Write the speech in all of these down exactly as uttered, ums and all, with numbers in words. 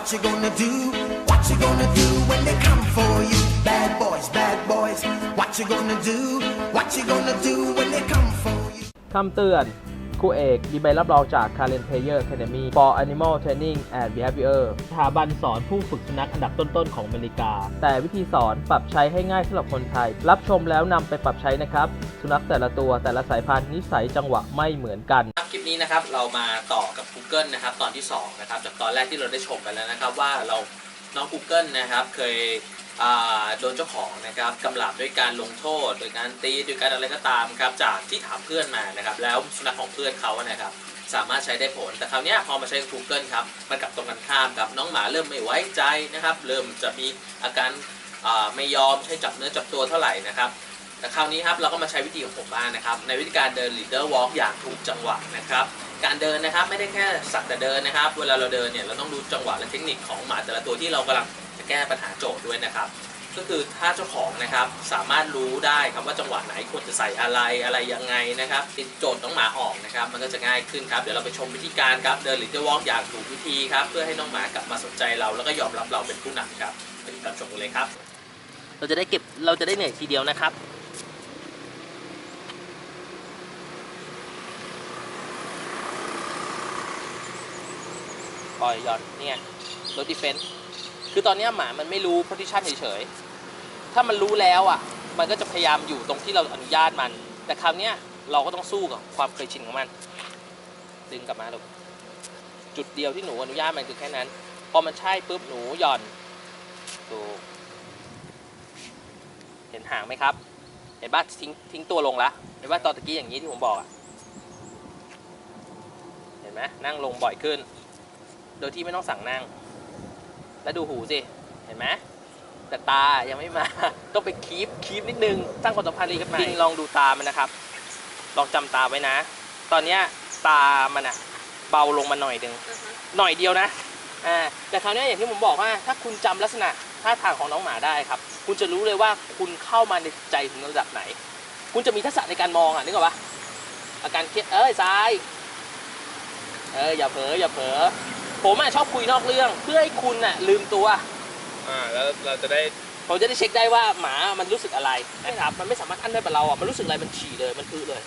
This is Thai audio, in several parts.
What you gonna do? What you gonna do when they come for you? Bad boys, bad boys. What you gonna do? What you gonna do when they come for you? คำเตือนครูเอกมีใบรับรองจาก Karen Player Academy for Animal Training and Behavior สถาบันสอนผู้ฝึกสุนัขอันดับต้นๆของอเมริกาแต่วิธีสอนปรับใช้ให้ง่ายสำหรับคนไทยรับชมแล้วนำไปปรับใช้นะครับสุนัขแต่ละตัวแต่ละสายพันธุ์นิสัยจังหวะไม่เหมือนกันคลิปนี้นะครับเรามาต่อกับ Google นะครับตอนที่สองนะครับจากตอนแรกที่เราได้ชมไปแล้วนะครับว่าเราน้อง Google นะครับเคยโดนเจ้าของนะครับกำลับด้วยการลงโทษโดยการตีโดยการอะไรก็ตามครับจากที่ถามเพื่อนมานะครับแล้วสุนัขของเพื่อนเขานะครับสามารถใช้ได้ผลแต่คราวนี้พอมาใช้ Google ครับมันกลับตรงกันข้ามครับน้องหมาเริ่มไม่ไว้ใจนะครับเริ่มจะมีอาการไม่ยอมใช้จับเนื้อจับตัวเท่าไหร่นะครับแต่คราวนี้ครับเราก็มาใช้วิธีของผมบ้างนะครับในวิธีการเดิน leader walk อย่างถูกจังหวะนะครับการเดินนะครับไม่ได้แค่สักแต่เดินนะครับเวลาเราเดินเนี่ยเราต้องดูจังหวะและเทคนิคของหมาแต่ละตัวที่เรากำลังจะแก้ปัญหาโจทย์ด้วยนะครับก็คือถ้าเจ้าของนะครับสามารถรู้ได้ครับว่าจังหวะไหนควรจะใส่อะไรอะไรยังไงนะครับติดโจทย์น้องหมาออกนะครับมันก็จะง่ายขึ้นครับเดี๋ยวเราไปชมวิธีการครับเดิน leader walk อย่างถูกวิธีครับเพื่อให้น้องหมากลับมาสนใจเราแล้วก็ยอมรับเราเป็นผู้นำครับไปติดตามชมกันเลยครับเราจะได้เก็บเราจะได้เหนื่อยทีเดียวนะครับปล่อยหย่อนเนี่ยรถดิเฟนส์คือตอนนี้หมามันไม่รู้โพซิชันเฉยๆถ้ามันรู้แล้วอ่ะมันก็จะพยายามอยู่ตรงที่เราอนุญาตมันแต่คราวนี้เราก็ต้องสู้กับความเคยชินของมันดึงกลับมาลูกจุดเดียวที่หนูอนุญาตมันคือแค่นั้นพอมันใช่ปุ๊บหนูหย่อนดูเห็นหางไหมครับเห็นบ้าทิ้งทิ้งตัวลงละเห็นว่าตอนตะกี้อย่างนี้ที่ผมบอกอ่ะเห็นไหมนั่งลงบ่อยขึ้นโดยที่ไม่ต้องสั่งนั่งแล้วดูหูสิเห็นไหมแต่ตายังไม่มาต้องไปคีปคีปนิดนึงสร้างความสัมพันธ์ดีกับมันลองดูตามันนะครับลองจำตาไว้นะตอนนี้ตามันอะเบาลงมาหน่อยนึง uh-huh. หน่อยเดียวนะอ่าแต่คราวนี้อย่างที่ผมบอกว่าถ้าคุณจำลักษณะท่าทางของน้องหมาได้ครับคุณจะรู้เลยว่าคุณเข้ามาในใจถึงระดับไหนคุณจะมีทักษะในการมองอ่ะนึกออกปะอาการเครียดเอ้ยซ้ายเอออย่าเผลออย่าเผลอผมอ่ะชอบคุยนอกเรื่องเพื่อให้คุณอ่ะลืมตัวอ่าแล้วเราจะได้ผมจะได้เช็คได้ว่าหมามันรู้สึกอะไรนะครับมันไม่สามารถอั้นได้แบบเราอ่ะมันรู้สึกอะไรมันฉี่เลยมันคือเลย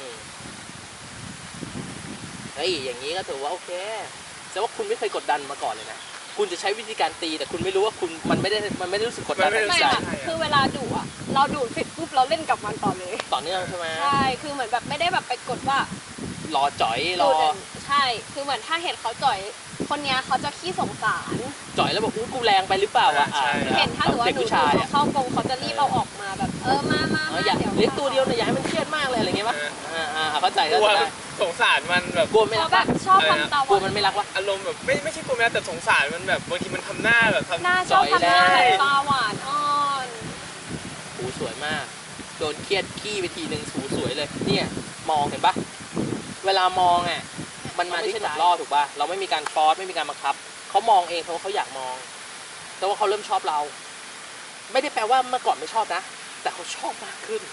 เฮ้ยอย่างนี้ก็ถือว่าโอเคแต่ว่าคุณไม่เคยกดดันมาก่อนเลยนะคุณจะใช้วิธีการตีแต่คุณไม่รู้ว่าคุณมันไม่ได้มันไม่ได้รู้สึกกดดันไม่ค่ะคือเวลาดุอ่ะเราดุเสร็จปุ๊บเราเล่นกับมันต่อเลยต่อเนื่องใช่ไหมใช่คือเหมือนแบบไม่ได้แบบไปกดว่ารอจ่อยรอใช่คือเหมือนถ้าเห็นเขาจ่อยคนนี้เขาจะขี้สงสารจ่อยแล้วบอกกูแรงไปหรือเปล่าวะเห็นถ้าหรือว่าดูเขาเข้ากรงเขาจะรีบเอาออกมาแบบเออมามาอย่าเลี้ยงตัวเดียวเนี่ยอย่าให้มันเครียดมากเลยอะไรเงี้ยป่ะอ่าอ่าเข้าใจก็ได้สงสารมันแบบกลัวไม่รักชอบทำตากลัวมันไม่รักวะอารมณ์แบบไม่ไม่ใช่กลัวไม่รักแต่สงสารมันแบบบางทีมันทำหน้าแบบหน้าชอบทำหน้าตาหวานอ่อนหูสวยมากโดนเครียดขี้ไปทีนึงหูสวยเลยเนี่ยมองเห็นปะเวลามองอ่ะมันมาที่จุดล่อถูกป่ะเราไม่มีการฟอร์สไม่มีการบังคับเขามองเองเพราะเขาอยากมองแต่ว่าเขาเริ่มชอบเราไม่ได้แปลว่าเมื่อก่อนไม่ชอบนะแต่เขาชอบมากขึ้น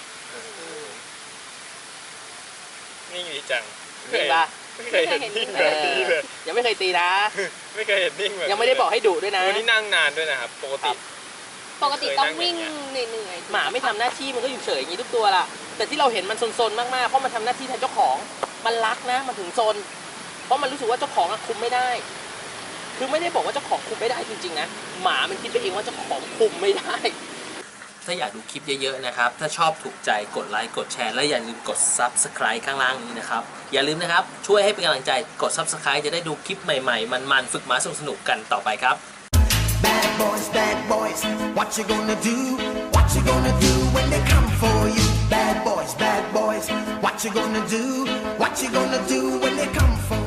นี่ดีจังนี่ป่ะไม่เคยเห็นนิ่งแบบนี้เลยยังไม่เคยตีนะไม่เคยเห็นนิ่งแบบยังไม่ได้บอกให้ดุด้วยนะวันนี้นั่งนานด้วยนะครับปกติปกติต้องวิ่งเหนื่อยๆหมาไม่ทำหน้าที่มันก็อยู่เฉยอย่างนี้ทุกตัวล่ะแต่ที่เราเห็นมันซนๆมากๆเพราะมันทำหน้าที่แทนเจ้าของมันรักนะมันถึงซนเพราะมันรู้สึกว่าเจ้าของคุมไม่ได้คือไม่ได้บอกว่าเจ้าของคุมไม่ได้จริงๆนะหมามันคิดไปเองว่าเจ้าของคุมไม่ได้ถ้าอยากดูคลิปเยอะๆนะครับถ้าชอบถูกใจกดไลค์กดแชร์และอย่าลืมกด ซับสไครบ์ ข้างล่างนี้นะครับอย่าลืมนะครับช่วยให้เป็นกำลังใจกด ซับสไครบ์ จะได้ดูคลิปใหม่ๆมันๆฝึกหมาสนุกๆกันต่อไปครับ Bad boys bad boys what you gonna do what you gonna do when they come for you Bad boys bad boys what you gonna do what you gonna do when they come for you